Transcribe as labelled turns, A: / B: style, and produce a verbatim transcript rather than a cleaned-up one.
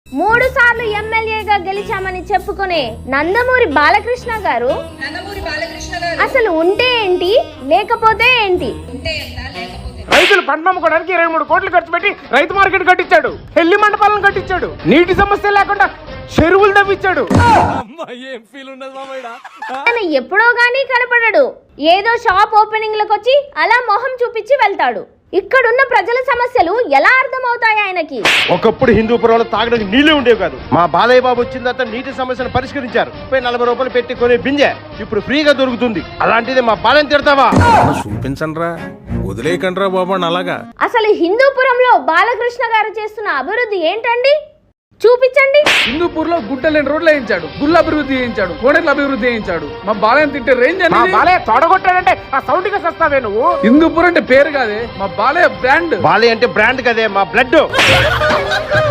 A: మూడు సార్లు ఎమ్మెల్యేగా గెలిచామని చెప్పుకునే నందమూరి బాలకృష్ణ గారు అసలు ఉంటే ఏంటి లేకపోతే ఏంటి?
B: రైతులు పంట అమ్ముకోవడానికి ఇరవై మూడు కోట్లు ఖర్చు పెట్టి రైతు మార్కెట్ కట్టించాడు, పెళ్లి మండపాలను కట్టించాడు, నీటి సమస్య లేకుండా చెరువులు తవ్వించాడు.
A: ఆయన ఎప్పుడో గానీ కనపడడు, ఏదో షాప్ ఓపెనింగ్ లకు వచ్చి అలా మొహం చూపించి వెళ్తాడు. ఇక్కడున్న ప్రజల సమస్యలు ఎలా అర్థమవుతాయి ఆయనకి?
C: ఒకప్పుడు హిందూపురంలో తాగడానికి నీళ్లే ఉండేవి కాదు. మా బాలయ్య బాబు వచ్చిన తర్వాత నీటి సమస్యను పరిష్కరించారు. ముప్పై నలభై రూపాయలు పెట్టి కొనే బింజె ఇప్పుడు ఫ్రీగా దొరుకుతుంది. అలాంటిది మా బాలని తిడతావా?
D: చూపించండి రా, వదిలేయకండి రా బాబు అలాగా.
A: అసలు హిందూపురంలో బాలకృష్ణ గారు చేస్తున్న అభివృద్ధి ఏంటండి? చూపించండి.
E: హిందూపూర్ లో గుట్టలేని రోడ్లు వేయించాడు, గుళ్ళ అభివృద్ధి చేయించాడు, కోడెల అభివృద్ధి చేయించాడు. మా బాలయ్య తింటే రేంజ్
B: మా బాలయ్య తొడగొట్టాడంటే ఆ సౌండ్ కి సస్తావే నువ్వు.
E: హిందూపూర్ అంటే పేరు కాదే, మా బాలయ్య బ్రాండ్.
C: బాలయ్య అంటే బ్రాండ్ కదే, మా బ్లడ్.